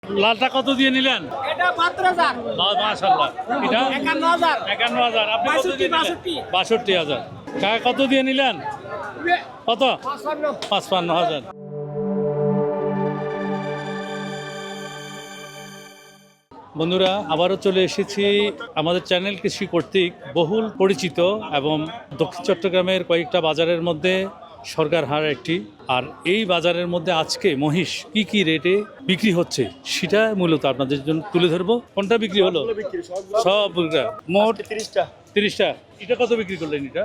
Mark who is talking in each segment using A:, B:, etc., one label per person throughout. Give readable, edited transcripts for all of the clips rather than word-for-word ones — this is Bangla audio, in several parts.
A: লালটা কত দিয়ে নিলেন?
B: এটা ৭২,০০০।
A: মাশাআল্লাহ। এটা
B: ৫১,০০০।
A: ৫১,০০০। আপনি কত দিয়ে নিলেন? ৬২,০০০। কাকা কত দিয়ে নিলেন? কত? ৫৫,০০০। বন্ধুরা, আবারও চলে এসেছি আমাদের চ্যানেল কৃষি কর্তৃক বহুল পরিচিত এবং দক্ষিণ চট্টগ্রামের কয়েকটা বাজারের মধ্যে সরকার হাট একটি। আর এই বাজারের মধ্যে আজকে মহিষ কি কি রেটে বিক্রি হচ্ছে সেটা মূলত আপনাদের জন্য তুলে ধরবো। কোনটা বিক্রি হলো? সব মোট 30টা। এটা কত বিক্রি করলেন? এটা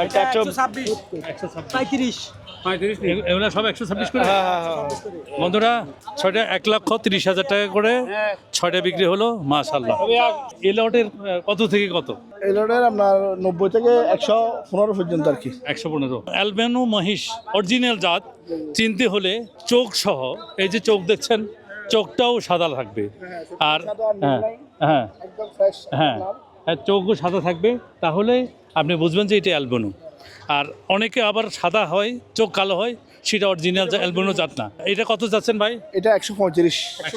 A: 126 এগুলো সব 126 করে। বন্ধুরা, 6টা 1,30,000 টাকা করে 6টা বিক্রি হলো। মাশাআল্লাহ। এই লটের কত থেকে কত?
C: এই লটের আপনার 90 থেকে 115 পর্যন্ত আর কি।
A: 115। অ্যালবেনো মহিষ অরিজিনাল জাত চিনতে হলে চোখ সহ, এই যে চোখ দেখছেন, চোখটাও সাদা থাকবে। আর হ্যাঁ হ্যাঁ
C: একদম ফ্রেশ।
A: হ্যাঁ হ্যাঁ, চোখও সাদা থাকবে, তাহলে আপনি বুঝবেন যে এটা অ্যালবেনো। আর অনেকে আবার সাদা হয়, চোখ কালো হয়, সেটা অরিজিনাল অ্যালবেনো জাত না। এটা কত যাচ্ছেন ভাই?
C: এটা 135।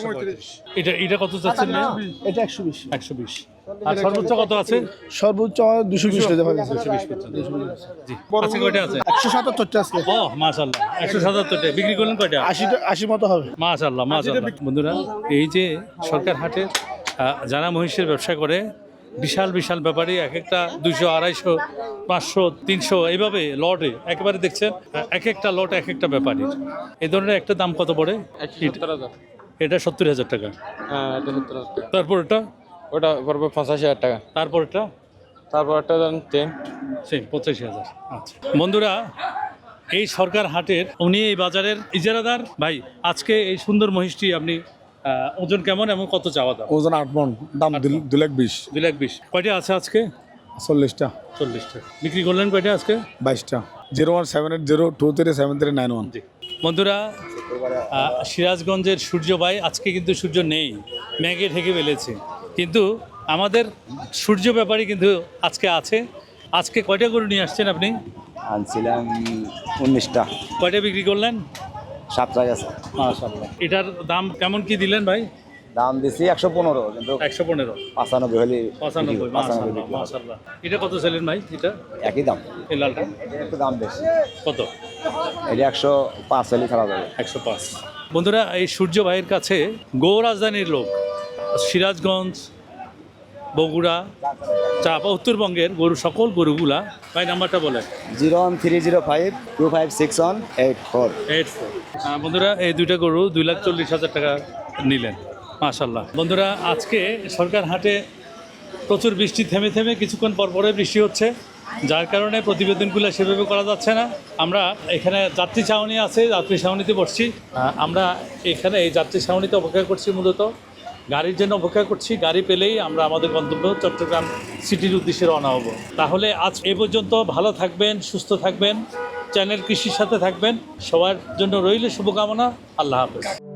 A: এটা কত যাচ্ছেন?
C: এটা 120।
A: 120। আর সর্বোচ্চ কত আছে?
C: সর্বোচ্চ 220 টাকা পাবে।
A: 220 পর্যন্ত। জি। আছে কয়টা আছে?
C: 177 টা আছে।
A: ও মাশাআল্লাহ। 177 টা বিক্রি করলেন কয়টা?
C: 80 মতো হবে।
A: মাশাআল্লাহ মাশাআল্লাহ। বন্ধুরা, এই যে সরকার হাটে যারা মহিষের ব্যবসা করে, বিশাল বিশাল ব্যাপারী এক একটা 200, 250, 500, 300 এইভাবে লটে একেবারে দেখছেন, এক একটা লট এক একটা ব্যাপারী। এই ধরনের একটা দাম কত পড়ে? এটা 70,000 টাকা।
D: হ্যাঁ, এটা 70,000 টাকা।
A: তারপর এটা?
D: ওটা পড়বে 85,000 টাকা।
A: তারপর এটা?
D: তারপর একটা দেন 10।
A: সেম 85,000। আচ্ছা বন্ধুরা, এই সরকার হাটের উনি এই বাজারের ইজারাদার ভাই। আজকে এই সুন্দর মহিষটি আপনি ওজন কেমন এবং কত চাওয়া দাম?
C: ওজন 8 মণ, দাম 2,20,000।
A: 2,20,000। কয়টা আছে আজকে?
C: 40টা।
A: 40টা। বিক্রি করলেন কয়টা আজকে?
C: 22টা। 01780237391।
A: জি বন্ধুরা, সিরাজগঞ্জের সূর্য ভাই আজকে কিন্তু সূর্য নেই, মেঘে ঢেকে ফেলেছে, কিন্তু আমাদের সূর্য ব্যাপারী কিন্তু আজকে আছে। আজকে কয়টা গরু নিয়ে আসছেন আপনি?
E: আনছিলাম 19টা।
A: কয়টা বিক্রি করলেন?
E: 7টা গেছে।
A: মাশাআল্লাহ। এটার দাম কেমন কি দিলেন ভাই?
E: দাম দিছি 115, কিন্তু
A: 115।
E: 95 হলে
A: 95। মাশাআল্লাহ মাশাআল্লাহ। এটা কত ছিলেন ভাই? এটা
E: একই দাম।
A: এই লালটা
E: এটা একটু দাম বেশি।
A: কত?
E: এটা 105 হলে ছাড়া যাবে।
A: 105। বন্ধুরা, এই সূর্য ভাইয়ের কাছে গো রাজধানীর লোক, সিরাজগঞ্জ, বগুড়া, চাপা, উত্তরবঙ্গের গরু, সকল গরুগুলা। ভাই নাম্বারটা বলেন।
E: 01305256184।
A: 84। বন্ধুরা, এই দুইটা গরু 2,40,000 টাকা নিলেন। মাশাআল্লাহ। বন্ধুরা, আজকে সরকার হাটে প্রচুর বৃষ্টি, থেমে থেমে কিছুক্ষণ পরে বৃষ্টি হচ্ছে, যার কারণে প্রতিবেদনগুলো সেভাবে করা যাচ্ছে না। আমরা এখানে যাত্রী ছাউনি আছে, যাত্রী ছাউনিতে বসছি। আমরা এখানে এই যাত্রী ছাউনিতে অপেক্ষা করছি, মূলত গাড়ির জন্য অপেক্ষা করছি। গাড়ি পেলেই আমরা আমাদের গন্তব্য চট্টগ্রাম সিটির উদ্দেশ্যে রওনা হব। তাহলে আজ এ পর্যন্ত। ভালো থাকবেন, সুস্থ থাকবেন, চ্যানেল কৃষির সাথে থাকবেন। সবার জন্য রইল শুভকামনা। আল্লাহ হাফেজ।